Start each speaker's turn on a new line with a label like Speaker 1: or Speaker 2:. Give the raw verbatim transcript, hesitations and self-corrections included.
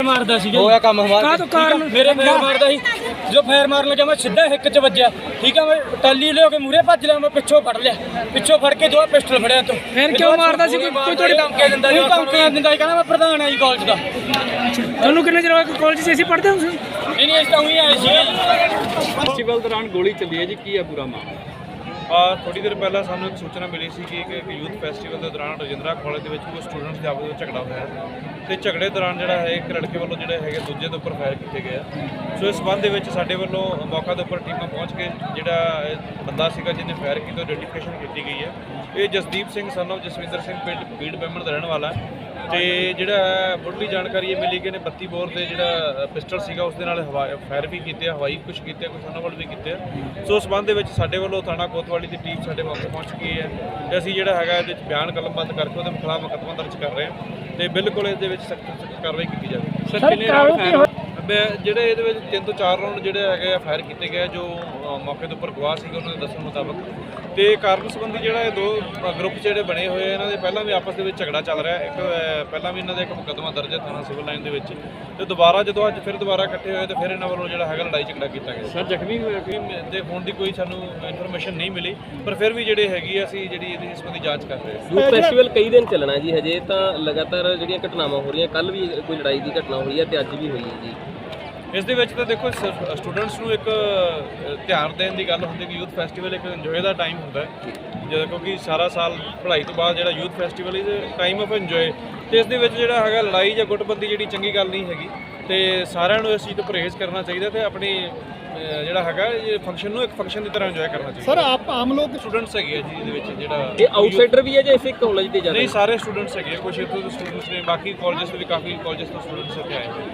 Speaker 1: मारदा सी
Speaker 2: होया काम हमारा
Speaker 1: तो कारण मेरे फैर मारदा सी जो फैर मारन लगा मैं सीधा हिक च वज्या ठीक है मैं टाली ले के मूरे भज लिया मैं पिछों फड़ लिया पिछों फड़ के दो पिस्टल फड़िया तू
Speaker 3: फिर क्यों मारदा सी कोई थोड़ी
Speaker 1: धमकी दिंदा जी धमकी दिंदा कहना मैं प्रधान है जी कॉलेज दा
Speaker 3: ਤੁਹਾਨੂੰ ਕਿੰਨੇ ਚਿਰ ਹੋਇਆ ਕਾਲਜ 'ਚ ਅਸੀਂ ਪੜ੍ਹਦੇ ਹਾਂ ਤੁਸੀਂ
Speaker 1: नहीं नहीं इस तरह ही आए सी
Speaker 4: ਫੈਸਟੀਵਲ ਦੌਰਾਨ ਗੋਲੀ ਚੱਲੀ ਹੈ ਜੀ ਕੀ ਹੈ ਪੂਰਾ ਮਾਮਲਾ?
Speaker 5: ਆ ਥੋੜੀ ਦੇਰ ਪਹਿਲਾਂ ਸਾਨੂੰ ਇੱਕ ਸੂਚਨਾ ਮਿਲੀ ਸੀ ਕਿ ਇੱਕ ਯੂਥ ਫੈਸਟੀਵਲ ਦੇ ਦੌਰਾਨ ਰਜਿੰਦਰਾ ਕਾਲਜ ਦੇ ਵਿੱਚ ਕੁਝ ਸਟੂਡੈਂਟਸ ਦੇ ਆਪਸ ਵਿੱਚ ਝਗੜਾ ਹੋਇਆ ਤੇ ਝਗੜੇ ਦੌਰਾਨ ਜਿਹੜਾ ਹੈ ਇੱਕ ਲੜਕੇ ਵੱਲੋਂ ਜਿਹੜੇ ਹੈਗੇ ਦੂਜੇ ਦੇ ਉੱਪਰ ਫਾਇਰ ਕੀਤੇ ਗਏ ਆ। ਸੋ ਇਸ ਸੰਬੰਧ ਦੇ ਵਿੱਚ ਸਾਡੇ ਵੱਲੋਂ ਮੌਕਾ ਦੇ ਉੱਪਰ ਟੀਮਾਂ ਪਹੁੰਚ ਕੇ ਜਿਹੜਾ ਇਹ ਬੰਦਾ ਸੀਗਾ ਜਿਹਨੇ ਫਾਇਰ ਕੀਤਾ ਆਈਡੈਂਟੀਫਿਕੇਸ਼ਨ ਕੀਤੀ ਗਈ ਹੈ। ਇਹ ਜਸਦੀਪ ਸਿੰਘ ਸਨ ਆਫ ਜਸਵਿੰਦਰ ਸਿੰਘ ਪਿੰਡ ਬੀੜ ਬੈਮਣ ਦਾ ਰਹਿਣ ਵਾਲਾ ਹੈ ਤੇ ਜਿਹੜਾ ਹੈ ਮੁੱਢਲੀ ਜਾਣਕਾਰੀ ਇਹ ਮਿਲੀ ਕਿ ਇਹਨੇ ਬੱਤੀ ਬੋਰ ਦੇ ਜਿਹੜਾ ਪਿਸਟਲ ਸੀਗਾ ਉਸ ਦੇ ਨਾਲ ਫਾਇਰ ਵੀ ਕੀਤੇ ਆ, ਹਵਾਈ ਕੁਛ ਕੀਤੇ ਆ, ਕੁਛ ਉਹਨਾਂ ਵੱਲ ਵੀ ਕੀਤੇ ਆ। ਸੋ ਉਸ ਸੰਬੰਧ ਦੇ ਵਿੱਚ ਸਾਡੇ ਵੱਲੋਂ ਥਾਣਾ ਕੋਤਵਾਲੀ ਦੀ ਟੀਮ ਸਾਡੇ ਮੌਕੇ ਪਹੁੰਚ ਗਈ ਹੈ ਤੇ ਅਸੀਂ ਜਿਹੜਾ ਹੈਗਾ ਇਹਦੇ ਵਿੱਚ ਬਿਆਨ ਕਲਮਬੰਦ ਕਰਕੇ ਉਹਦੇ ਖਿਲਾਫ ਮੁਕੱਦਮਾ ਦਰਜ ਕਰ ਰਹੇ ਹਾਂ ਤੇ ਬਿਲਕੁਲ ਇਹਦੇ ਵਿੱਚ ਸਖਤ ਸਖਤ ਕਾਰਵਾਈ ਕੀਤੀ ਜਾਵੇ।
Speaker 4: ਸਰ ਕਿੰਨੇ ਰਾਉਂਡ ਫਾਇਰ
Speaker 5: ਜਿਹੜੇ ਇਹਦੇ ਵਿੱਚ ਤਿੰਨ ਤੋਂ ਚਾਰ ਰਾਉਂਡ ਜਿਹੜੇ ਹੈਗੇ ਆ ਫਾਇਰ ਕੀਤੇ ਗਏ ਜੋ ਮੌਕੇ ਦੇ ਉੱਪਰ ਗਵਾਹ ਸੀਗੇ ਉਹਨਾਂ ਦੇ ਦੱਸਣ ਮੁਤਾਬਕ ਤੇ ਕਾਰਨ ਸੰਬੰਧੀ ਜਿਹੜਾ ਇਹ ਦੋ ਗਰੁੱਪ ਜਿਹੜੇ ਬਣੇ ਹੋਏ ਇਹਨਾਂ ਦੇ ਪਹਿਲਾਂ ਵੀ ਆਪਸ ਦੇ ਵਿੱਚ ਝਗੜਾ ਚੱਲ ਰਿਹਾ। ਇੱਕ ਪਹਿਲਾਂ ਵੀ ਇਹਨਾਂ ਦਾ ਇੱਕ ਮੁਕੱਦਮਾ ਦਰਜ ਹੈ ਥਾਣਾ ਸਿਵਲ ਲਾਈਨ ਦੇ ਵਿੱਚ ਤੇ ਦੁਬਾਰਾ ਜਦੋਂ ਅੱਜ ਫਿਰ ਦੁਬਾਰਾ ਇਕੱਠੇ ਹੋਏ ਤੇ ਫਿਰ ਇਹਨਾਂ ਵੱਲੋਂ ਜਿਹੜਾ ਹੈਗਾ ਲੜਾਈ ਝਗੜਾ ਕੀਤਾ ਗਿਆ।
Speaker 4: ਸਰ ਜ਼ਖਮੀ ਹੋਇਆ ਕੋਈ?
Speaker 5: ਤੇ ਹੋਣ ਦੀ ਕੋਈ ਸਾਨੂੰ ਇਨਫੋਰਮੇਸ਼ਨ ਨਹੀਂ ਮਿਲੀ ਪਰ ਫਿਰ ਵੀ ਜਿਹੜੇ ਹੈਗੀ ਆ ਅਸੀਂ ਜਿਹੜੀ ਇਹਦੀ ਸੰਬੰਧੀ ਜਾਂਚ ਕਰ ਰਹੇ ਹਾਂ।
Speaker 6: ਯੂਥ ਫੈਸਟੀਵਲ ਕਈ ਦਿਨ ਚੱਲਣਾ ਜੀ ਹਜੇ ਤਾਂ ਲਗਾਤਾਰ ਜਿਹੜੀਆਂ ਘਟਨਾਵਾਂ ਹੋ ਰਹੀਆਂ ਕੱਲ ਵੀ ਕੋਈ ਲੜਾਈ ਦੀ ਘਟਨਾ ਹੋਈ ਹੈ ਤੇ ਅੱਜ ਵੀ ਹੋਈ ਹੈ ਜੀ।
Speaker 5: ਇਸ ਦੇ ਵਿੱਚ ਤਾਂ ਦੇਖੋ ਸਟੂਡੈਂਟਸ ਨੂੰ ਇੱਕ ਧਿਆਨ ਦੇਣ ਦੀ ਗੱਲ ਹੁੰਦੀ ਕਿ ਯੂਥ ਫੈਸਟੀਵਲ ਇੱਕ ਇੰਜੋਏ ਦਾ ਟਾਈਮ ਹੁੰਦਾ ਹੈ ਜਦੋਂ ਕਿਉਂਕਿ ਸਾਰਾ ਸਾਲ ਪੜ੍ਹਾਈ ਤੋਂ ਬਾਅਦ ਜਿਹੜਾ youth festival is time of enjoy ਤੇ ਇਸ ਦੇ ਵਿੱਚ ਜਿਹੜਾ ਹੈਗਾ ਲੜਾਈ ਜਾਂ ਗੁੱਟਬੰਦੀ ਜਿਹੜੀ ਚੰਗੀ ਗੱਲ ਨਹੀਂ ਹੈਗੀ ਤੇ ਸਾਰਿਆਂ ਨੂੰ ਇਸ ਚੀਜ਼ ਤੋਂ ਪਰਹੇਜ਼ ਕਰਨਾ ਚਾਹੀਦਾ ਤੇ ਆਪਣੀ ਜਿਹੜਾ ਹੈਗਾ ਇਹ ਫੰਕਸ਼ਨ ਨੂੰ ਇੱਕ ਫੰਕਸ਼ਨ ਦੀ ਤਰ੍ਹਾਂ ਇੰਜੋਏ ਕਰਨਾ ਚਾਹੀਦਾ।
Speaker 3: ਸਰ ਆਪ ਆਮ ਲੋਕ
Speaker 5: ਸਟੂਡੈਂਟਸ ਹੈਗੇ ਆ ਜੀ ਇਹਦੇ ਵਿੱਚ ਜਿਹੜਾ
Speaker 6: ਇਹ ਆਊਟਸਾਈਡਰ ਵੀ ਹੈ ਜਾਂ ਇਸੇ ਕਾਲਜ ਦੇ ਜ਼ਿਆਦਾ?
Speaker 5: ਨਹੀਂ ਸਾਰੇ ਸਟੂਡੈਂਟਸ ਹੈਗੇ ਕੁਝ ਇੱਥੋਂ ਦੇ ਸਟੂਡੈਂਟਸ ਨੇ ਬਾਕੀ ਕਾਲਜਸ ਤੋਂ ਵੀ ਕਾਫੀ ਕਾਲਜਸ ਤੋਂ ਸਟੂਡੈਂਟਸ ਇੱਥੇ ਆਏ